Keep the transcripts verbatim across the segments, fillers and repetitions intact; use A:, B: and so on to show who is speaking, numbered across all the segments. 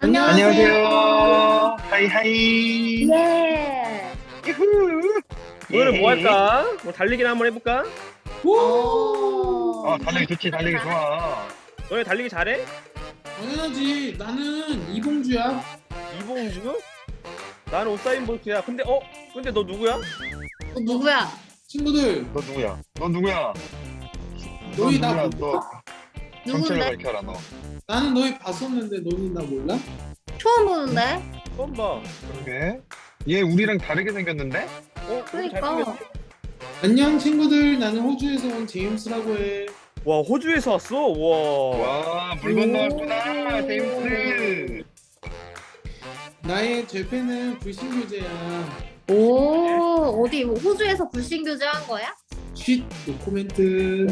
A: 안녕하세요. 하이하이.
B: 예.
A: 유후.
C: 오늘은 뭐
A: 예.
C: 할까? 뭐 달리기나 한번 해볼까?
B: 오.
A: 어, 달리기 좋지, 달리기 좋아.
C: 너네 달리기 잘해?
D: 당연하지. 나는 이봉주야.
C: 이봉주? 나는 우사인 볼트야. 근데 어? 근데 너 누구야?
B: 너 누구야?
D: 친구들,
A: 너 누구야? 너 누구야? 너
D: 너희 나
A: 누구야?
D: 몰라?
A: 너 정체를
B: 누군데?
A: 밝혀라, 너.
D: 나는 너희 봤었는데 너희 나 몰라?
B: 처음 보는데?
C: 처음 봐.
A: 그러게. 얘 우리랑 다르게 생겼는데?
C: 어?
B: 그러니까.
C: 잘생겼어.
D: 안녕 친구들. 나는 호주에서 온 제임스라고 해.
C: 와 호주에서 왔어? 와.
A: 와, 물 건너왔구나,
B: 오.
A: 제임스.
D: 나의 죄패는 불신교제야.
B: 오, 어디 뭐 호주에서 불신 교제한 거야?
D: 쉿 노코멘트.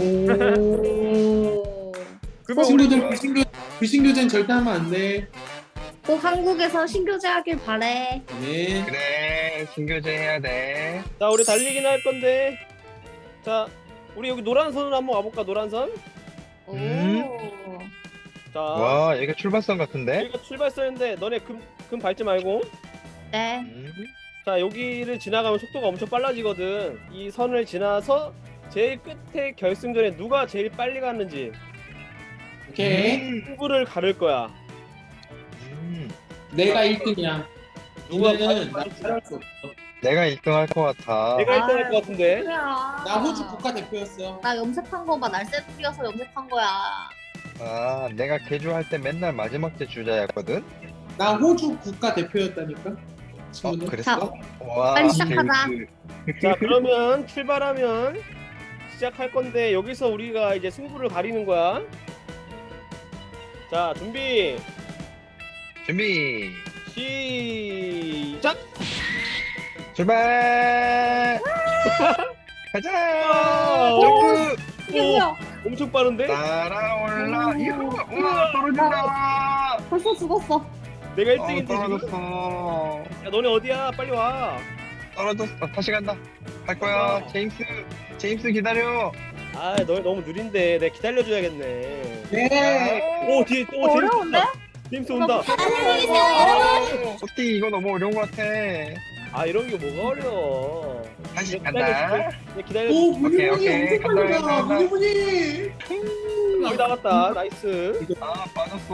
B: 오.
C: 그러면
D: 친구들
C: 우리
D: 불신교 불신교제는 절대 하면 안 돼.
B: 꼭 한국에서 신교제하길 바래.
D: 네.
A: 그래, 신교제 해야 돼.
C: 자 우리 달리기나 할 건데. 자 우리 여기 노란 선으로 한번 가볼까? 노란 선?
B: 오.
A: 음.
C: 자.
A: 와, 얘가 출발선 같은데?
C: 여기가 출발선인데 너네 금, 금 밟지 말고.
B: 네.
A: 음.
C: 자 여기를 지나가면 속도가 엄청 빨라지거든. 이 선을 지나서 제일 끝에 결승전에 누가 제일 빨리 갔는지
D: 오케이.
A: 음.
C: 승부를 가를 거야.
A: 음.
D: 내가 일 등이야.
C: 누가
D: 이제는
C: 빨리
D: 나 잘할 수 없어.
A: 내가 일 등 할 것 같아.
C: 내가 일 등
B: 아.
C: 할 것 같은데.
B: 뭐야?
D: 나 호주 국가대표였어.
B: 나 염색한 거 봐. 날쌘 뛰어서 염색한 거야.
A: 아, 내가 개주할 때 맨날 마지막 째 주자였거든?
D: 나 호주 국가대표였다니까.
A: 어,
D: 친구들.
A: 그랬어? 와,
B: 빨리 시작하자.
A: 제임스.
C: 자 그러면 출발하면 시작할 건데 여기서 우리가 이제 승부를 가리는 거야. 자 준비
A: 준비,
C: 시작.
A: 출발! 가자!
C: 와.
A: 점프!
B: 이게
C: 오.
B: 뭐야?
C: 엄청 빠른데?
A: 날아올라!
B: 오.
A: 이후! 우와, 떨어진다!
B: 벌써 죽었어.
C: 내가
A: 어,
C: 일 등인데 지금?
A: 떨어졌어.
C: 야 너네 어디야? 빨리 와.
A: 떨어졌어. 다시 간다. 갈 거야.
C: 와.
A: 제임스, 제임스 기다려.
C: 아 너네 너무 느린데 내가 기다려줘야겠네.
D: 네.
C: 오 뒤에 또 제임스
B: 어려운데?
C: 온다. 제임스 온다.
B: 안녕히 계세요.
A: 어띠 이거 너무 어려운 것 같아.
C: 아 이런 게 뭐가 어려워.
A: 다시
C: 그냥
A: 간다.
C: 기다려줄게. 그냥 기다려.
D: 오
A: 오케이,
D: 문희문희
A: 오케이.
D: 엄청
A: 간다,
D: 빨리다.
A: 간다.
D: 문희문희.
C: 여기 나갔다. 나이스.
A: 아, 빠졌어.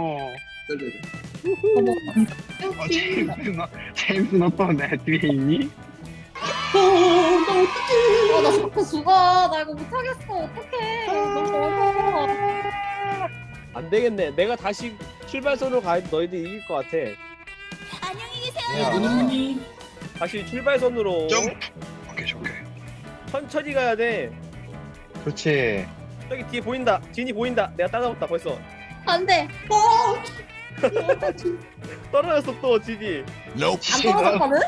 B: 어머.
A: 어, 제임스 너, 제임스 너 또 내 뒤에 있니?
D: 어나 어떡해.
B: 어, 나 자꾸 죽어. 나 이거 못하겠어. 어떡해. 너무 어려워.
C: 안 되겠네. 내가 다시 출발선으로 가야 너희들 이길 것 같아.
D: 야, 문희문희.
C: 다시 출발선으로
A: 점프. 오케이, 오케이.
C: 천천히 가야 돼.
A: 그렇지.
C: 저기 뒤에 보인다. 진이 보인다. 내가 따라잡았다 벌써.
B: 안 돼.
C: 떨어졌어 또 진이.
B: 안 떨어졌거든?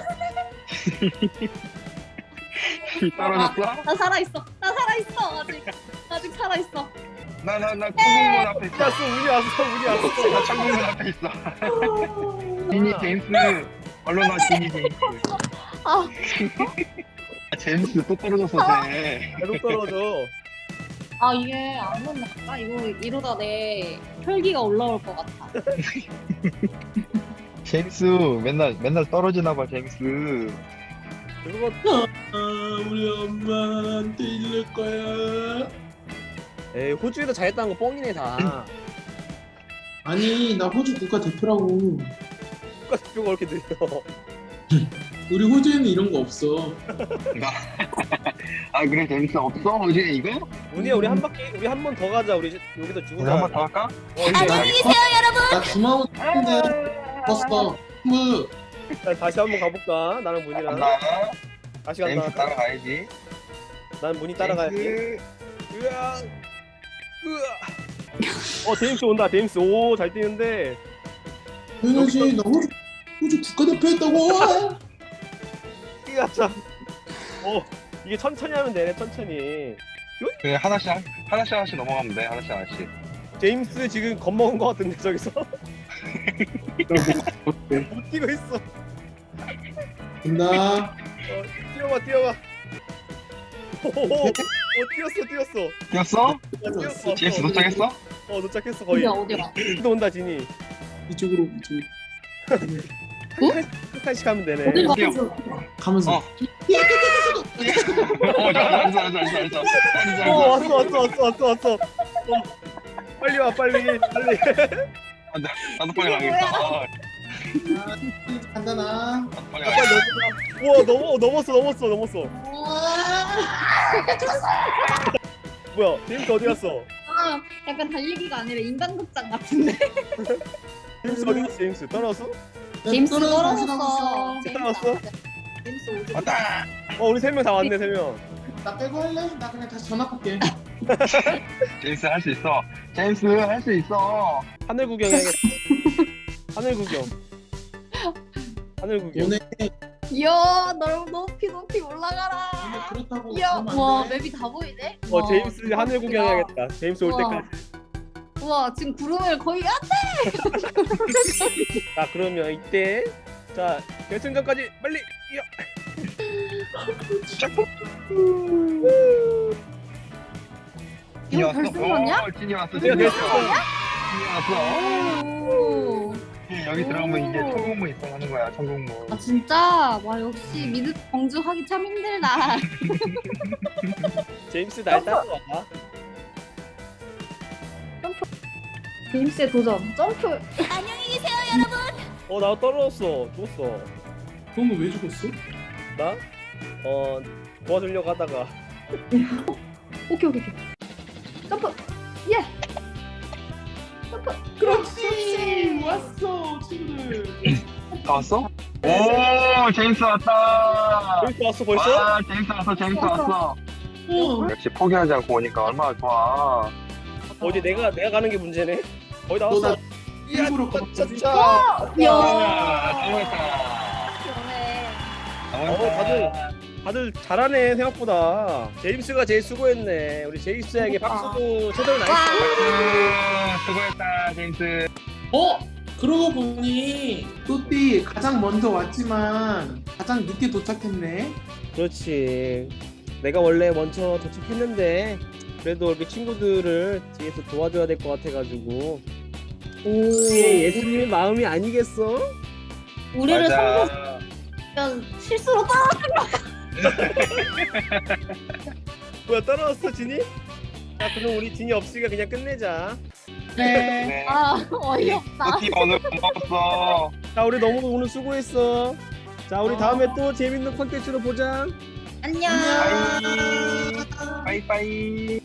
A: 떨어졌어?
B: 나 살아있어. 나 살아있어. 아직. 아직 살아있어.
A: 나, 나, 나 천국문 앞에 있어.
C: 왔어 운이 왔어 운이 왔어.
A: 나 천국문 앞에 있어. 지니 제임스. 얼른 와, 지니 제임스.
B: 아,
A: 아, 제임스 또 떨어졌어, 쟤.
C: 계속 떨어져.
B: 아 이게 안 넘어갈까? 이거 이러다 내 혈기가 올라올 것 같아.
A: 제임스 맨날 맨날 떨어지나 봐, 제임스.
C: 그거
D: 아, 우리 엄마한테 이럴 거야.
C: 에이 호주에서 잘했다는 거 뻥이네 다.
D: 아니 나 호주 국가대표라고.
C: 국가대표가 그렇게 느려.
D: 우리 호주에는 이런 거 없어.
A: 아, 그래, 제임스 없어? 어제 이거?
C: 운이야 우리 한 바퀴 우리 한 번 더 가자. 우리 여기서 죽으자.
A: 우리 한 번 더 할까?
C: 어, 이제
D: 안녕히 계세요 여러분. 나 주마호 했는데 죽었어. 친구.
C: 일단 다시 한 번 가볼까? 나랑 문이랑
A: 간다.
C: 다시
A: 제임스
C: 간다.
A: 따라가야지.
C: 난 문이 따라가야지.
A: 제임스.
C: 으아, 으아. 어 제임스 온다. 제임스 오 잘 뛰는데.
D: 당연하지. 나 호주 호주 국가대표였다고.
C: 뛰가 참. 어 이게 천천히 하면 되네. 천천히.
A: 그래, 하나씩 한- 하나씩 하나씩 넘어가면 돼. 하나씩 하나씩.
C: 제임스 지금 겁먹은 것 같은데 저기서 못 뛰고 있어.
D: 간다.
C: 어, 뛰어봐 뛰어봐. 오호호. 어 뛰었어 뛰었어.
A: 뛰었어?
C: 어, 뛰었어.
A: 제임스 도착했어?
C: 어 도착했어 거의.
B: 어디야 어디야?
C: 또 온다 진이.
D: 이쪽으로 이쪽으로
C: 한 칸씩 하면 되네.
B: 어딜
A: 어디요?
B: 가면서
D: 가면서
A: 어. 어, 알았어, 알았어, 알았어, 알았어.
C: 어 왔어 왔어 왔어 왔어 왔어. 어, 빨리 와 빨리 빨리.
A: 나도 빨리 가겠다. 어,
D: 간다 나.
A: 나도 빨리
C: 빨리
A: 가겠다.
C: 넘어. 우와 넘어 넘었어 넘었어 넘었어. 뭐야 제임스 어디 갔어?
B: 아, 약간 달리기가 아니라 인간극장 같은데.
C: 제임스 어디 갔어 제임스 떨어졌어?
B: 제임스
D: 떨어져,
B: 떨어졌어.
C: 제임스 떨어졌어?
B: 제임스 오지.
A: 왔다.
C: 어 우리 세 명 다 왔네 세 명.
D: 나 빼고 할래? 나 그냥 다시 전화 볼게.
A: 제임스 할 수 있어. 제임스 할 수 있어.
C: 하늘 구경해야겠다. 하늘 구경. 하늘 구경.
D: 오늘
B: 이야, 널 높이 높이 올라가라.
D: 오늘 그렇다고
B: 이야,
D: 그러면 안
B: 와
D: 돼.
B: 맵이 다 보이네.
C: 어
B: 와,
C: 제임스 하늘
B: 대박이다.
C: 구경해야겠다. 제임스 올
B: 우와.
C: 때까지.
B: 우와, 지금 구름을 거의 안
C: 자 그러면 이때 자 결승전까지 빨리 이어.
B: 이거
A: 왔어.
B: 결승전이야?
A: 어, 진이 왔어.
C: 내가
A: 진이 왔어.
C: 결승전.
A: 진이 왔어.
B: 오.
A: 예, 여기 들어가면 이제
B: 오.
A: 천국문 있어 하는 거야. 천국문.
B: 아 진짜 와 역시 미드 경주하기 참 힘들다.
C: 제임스 날 따라와.
B: 제임스의 도전 점프.
C: 어 나 떨어졌어. 죽었어.
D: 그러면 왜 죽었어?
C: 나? 어 도와주려고 하다가
B: 오케이 오케이 오케이. 점프. 예. 점프.
D: 그렇지 왔어 친구들.
A: 다 왔어? 오, 제임스 왔다.
C: 제임스 왔어 벌써?
A: 와, 제임스 왔어. 제임스 왔어.
D: 어.
A: 역시 포기하지 않고 오니까 얼마나 좋아.
C: 어디 내가 내가 가는 게 문제네. 거의 다
D: 너나
C: 왔어. 이야
D: 일부러 가봤지?
C: 차차.
B: 야.
A: 성공했다.
B: 그러네.
C: 어 다들 다들 잘하네 생각보다. 제임스가 제일 수고했네. 우리 제임스에게 박수도 제대로 나이스.
A: 음, 수고했다, 제임스.
D: 어? 그러고 보니 또띠 가장 먼저 왔지만 가장 늦게 도착했네.
C: 그렇지. 내가 원래 먼저 도착했는데 그래도 이렇게 친구들을 뒤에서 도와줘야 될 것 같아가지고. 이게 예수님의 마음이 아니겠어?
B: 우리를
A: 맞아.
B: 성공시키면 실수로 따.
C: 뭐야 떨어졌어 진이? 자 그럼 우리 진이 없으니까 그냥 끝내자.
D: 네.
A: 네.
B: 아 어이없다.
A: 또티 오늘 고마웠어.
C: 자 우리 너무 오늘 수고했어. 자 우리 다음에 또 재밌는 콘텐츠로 보자.
B: 안녕.
A: 빠이. 빠이빠이.